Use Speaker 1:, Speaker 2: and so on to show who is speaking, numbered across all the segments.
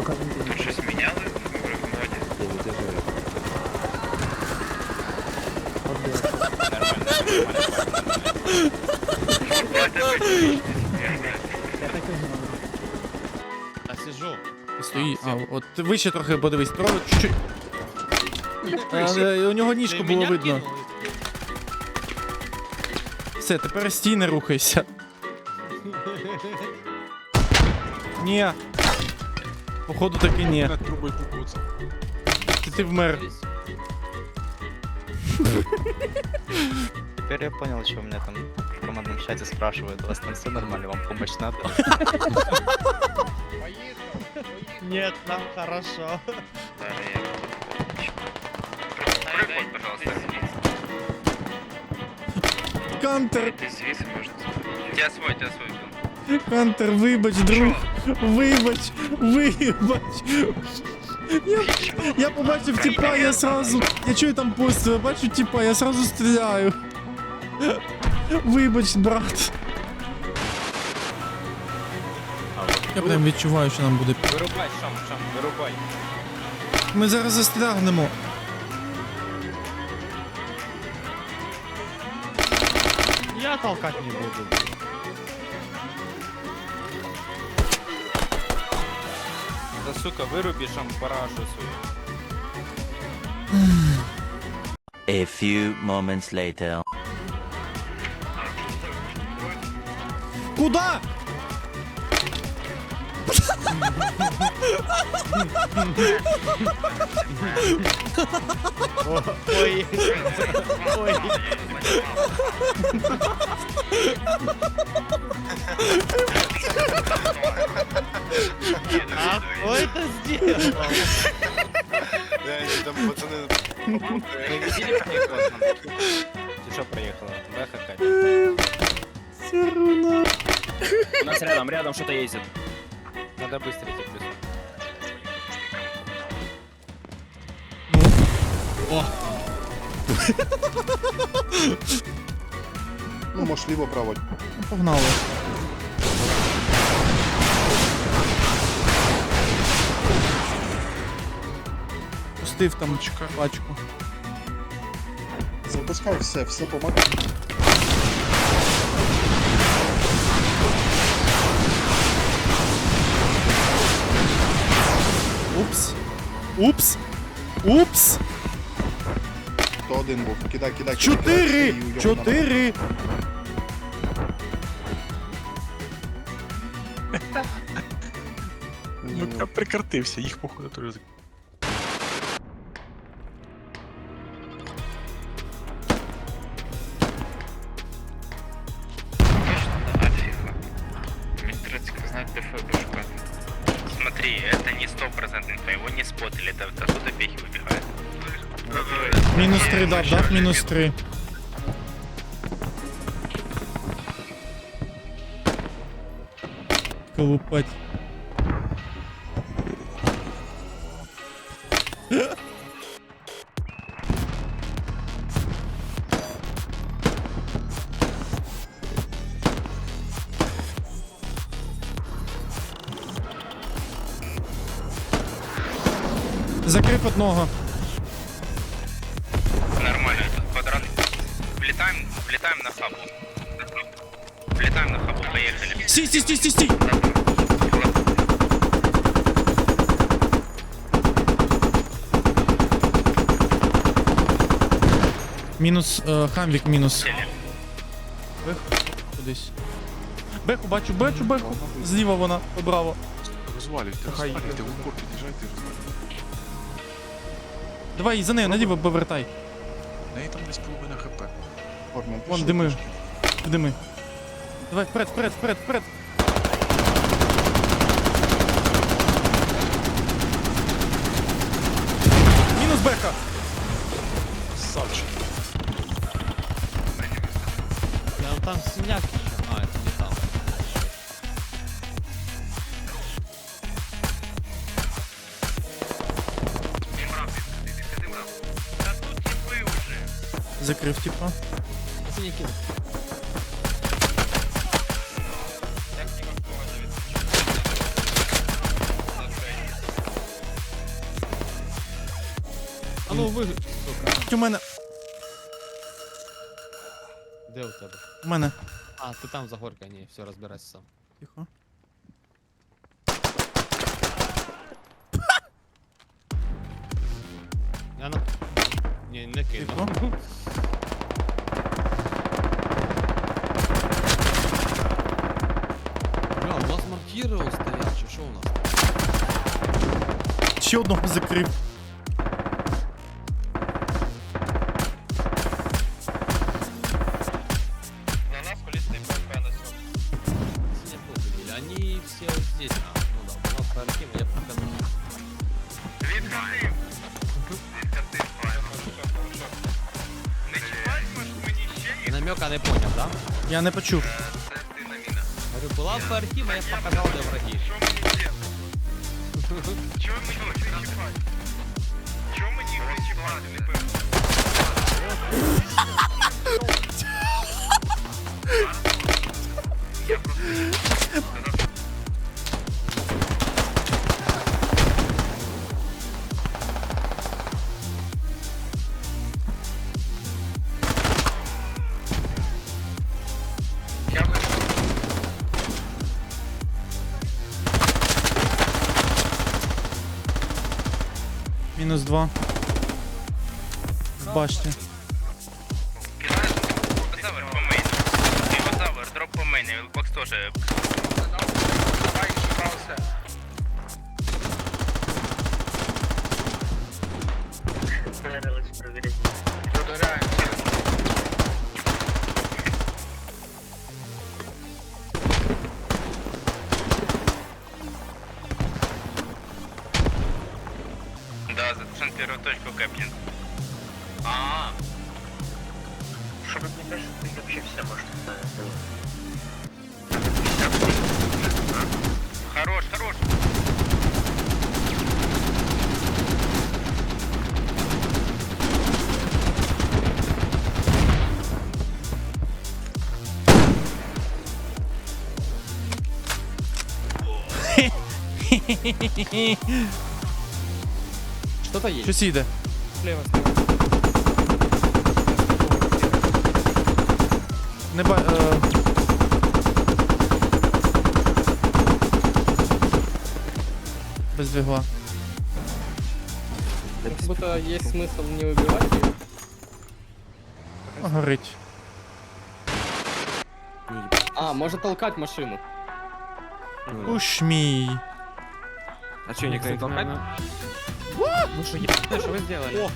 Speaker 1: Тут щось міняли в моді?
Speaker 2: Я сижу.
Speaker 3: Стої. А, от вище трохи подивись. Трохи чуть-чуть. У нього ніжку було видно. Все, тепер стій, не рухайся. Ні. Походу таки ні. Ти вмер.
Speaker 4: Теперь я понял, что у меня там в командном чате спрашивают, у вас там все нормально, вам помощь надо?
Speaker 2: Нет, нам хорошо.
Speaker 1: Прикольно, пожалуйста.
Speaker 3: Кантер,
Speaker 1: Ти звідси можна забрати. Я свой.
Speaker 3: Кантер, вибач, друг. Вибач, вибач. Я побачив тіпа, я сразу. Я чую там постріл, бачу тіпа, я сразу стріляю. Вибач, брат. Я прям відчуваю, що нам буде.
Speaker 2: Вырубай, Шам, вырубай.
Speaker 3: Ми зараз застрягнемо.
Speaker 2: Я толкать не буду. Да сука, выруби Шам парашу свою.
Speaker 5: A few moments later.
Speaker 3: Куда?
Speaker 2: Ой. Ой. А кто это сделал?
Speaker 6: Там пацаны...
Speaker 2: Ты что проехала? Да, какая-то?
Speaker 3: Все равно.
Speaker 7: У нас рядом что-то ездит.
Speaker 2: Надо быстро идти плюс.
Speaker 6: Ну, может, либо право.
Speaker 3: Погнали. Пустив там пачку.
Speaker 6: Запускай все помогай.
Speaker 3: Упс. Упс. Упс.
Speaker 6: То один був. Кидай.
Speaker 3: 4! 4!
Speaker 6: Ну,
Speaker 8: Прикартився, їх походу теж.
Speaker 1: Точно, да, фига. Мне треба знать ДФ шукати.
Speaker 4: Смотри, это не 100% инфа, его не спотили, это оттуда пехи выбегают.
Speaker 3: Мінус 3 дав, дав мінус 3. Колупать. Закрив одного.
Speaker 4: Нормально, этот квадрат. Влетаем на хабу. Влетаем на хабу, поехали.
Speaker 3: Стій! Мінус, хамвік мінус. Беху, кудись. Беху, бачу. Зліва вона, браво.
Speaker 8: Розвалюйте, розвалюйте, в упор під'їжджайте, розвалюйте.
Speaker 3: Давай, за нею, наліво повертай.
Speaker 8: В неї там десь половина хп.
Speaker 6: Форман,
Speaker 3: Вон
Speaker 6: пішов
Speaker 3: дими.
Speaker 6: трошки.
Speaker 3: Дими. Давай, вперед. Мінус беха.
Speaker 8: Савчик.
Speaker 2: Там синяк еще. А, это не там.
Speaker 3: Закрив, типа.
Speaker 2: Синяки.
Speaker 9: ну ви, сука,
Speaker 3: У мене.
Speaker 9: де у тебе?
Speaker 3: У мене.
Speaker 9: А, ти там за горкою, ні, все, розбирайся сам.
Speaker 3: Тихо.
Speaker 9: Я на... Ні, не кину.
Speaker 3: Тихо.
Speaker 9: Бля, у нас маркіри стоять, чи що у нас?
Speaker 3: Ще одного закрив.
Speaker 4: На нас колісний ПП на цьому.
Speaker 9: Не пофиг, они все вот здесь. А, ну да, у нас Архим, я покажу.
Speaker 4: Відкати. Відкати, правильно. Не чіпатимеш мені ще їх?
Speaker 9: Намека не понял, да?
Speaker 3: Я не почув.
Speaker 4: Це ти на міна.
Speaker 9: Говорю, была бы Архима, я бы показал, где враги.
Speaker 4: Що мені делать? Чого мені їх не чіпати? Чого мені їх не чіпати? Не пойму. Я просто... Я бы...
Speaker 3: Мінус 2. В башті.
Speaker 4: Динозавр по мейну. Динозавр, дроп по мейну. Вилбокс тоже. Да, затушен первую точку Кэплин. Чтобы мне кажется, ты вообще все может Хорош, хорош.
Speaker 9: Что-то есть.
Speaker 3: Щось їде.
Speaker 9: Слева,
Speaker 3: Не ба... Без двигла.
Speaker 9: Как будто есть смысл не убивать ее.
Speaker 3: Горить.
Speaker 9: А, может толкать машину.
Speaker 3: Ушмій.
Speaker 2: А что, никто не толкает?
Speaker 9: Ну что, что вы сделали?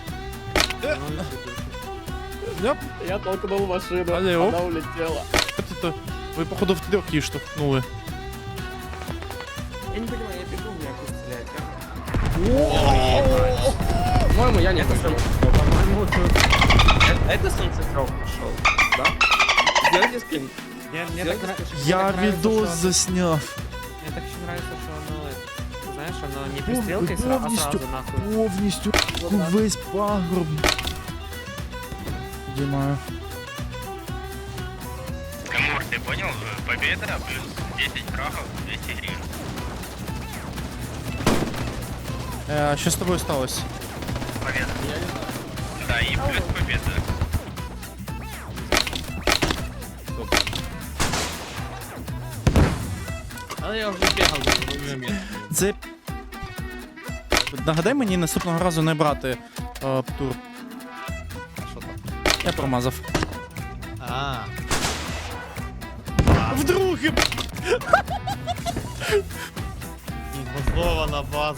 Speaker 3: Ляп.
Speaker 9: Я толкнул машину,
Speaker 3: Алло.
Speaker 9: она улетела.
Speaker 3: Это ви, походу, в трьох її штовхнули.
Speaker 2: Я не понимаю, я бегу, меня как стрелять,
Speaker 9: По-моему, я не пострелял.
Speaker 2: По-моему, это солнцекров пошел, да? Сделайте скрин.
Speaker 3: Я відос засняв.
Speaker 10: Мне так еще нравится, что оно, знаешь, оно не пристрелкой, а сразу нахуй.
Speaker 3: Повністю весь пагорб. Дімаю.
Speaker 4: Камур, ты понял? Победа плюс 10 крахов, 200 гривен.
Speaker 3: Що з тобою сталося?
Speaker 4: Победа. Да, и плюс победа.
Speaker 9: А я уже бегал в момент.
Speaker 3: Це... Нагадай мені наступного разу не брати тур.
Speaker 9: Что там?
Speaker 3: Я промазав.
Speaker 9: А,
Speaker 3: Вдруге!
Speaker 9: Инвазована база.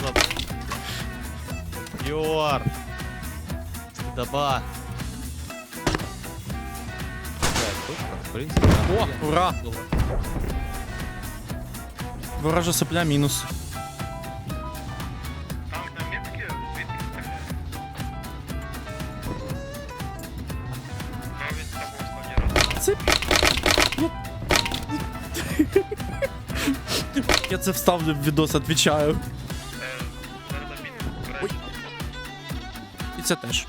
Speaker 9: Йор. Даба. В принципе,
Speaker 3: О, ура! Ворожа сопля мінус.
Speaker 4: Там на метке звідки стріляє? Навіть з тобою останній раз.
Speaker 3: Це... Я це вставлю в відос, відвічаю.
Speaker 4: Зараз на метку
Speaker 3: Ой. І це теж.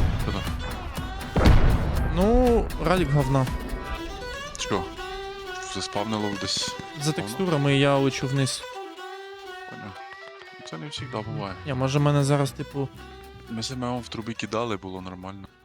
Speaker 3: Ну, ралік говна.
Speaker 8: Чего? заспавнило десь.
Speaker 3: За текстурами я лечу вниз.
Speaker 8: Поняв. Це не завжди буває.
Speaker 3: Може мене зараз, типу,
Speaker 8: Ми себе в трубі кидали, було нормально.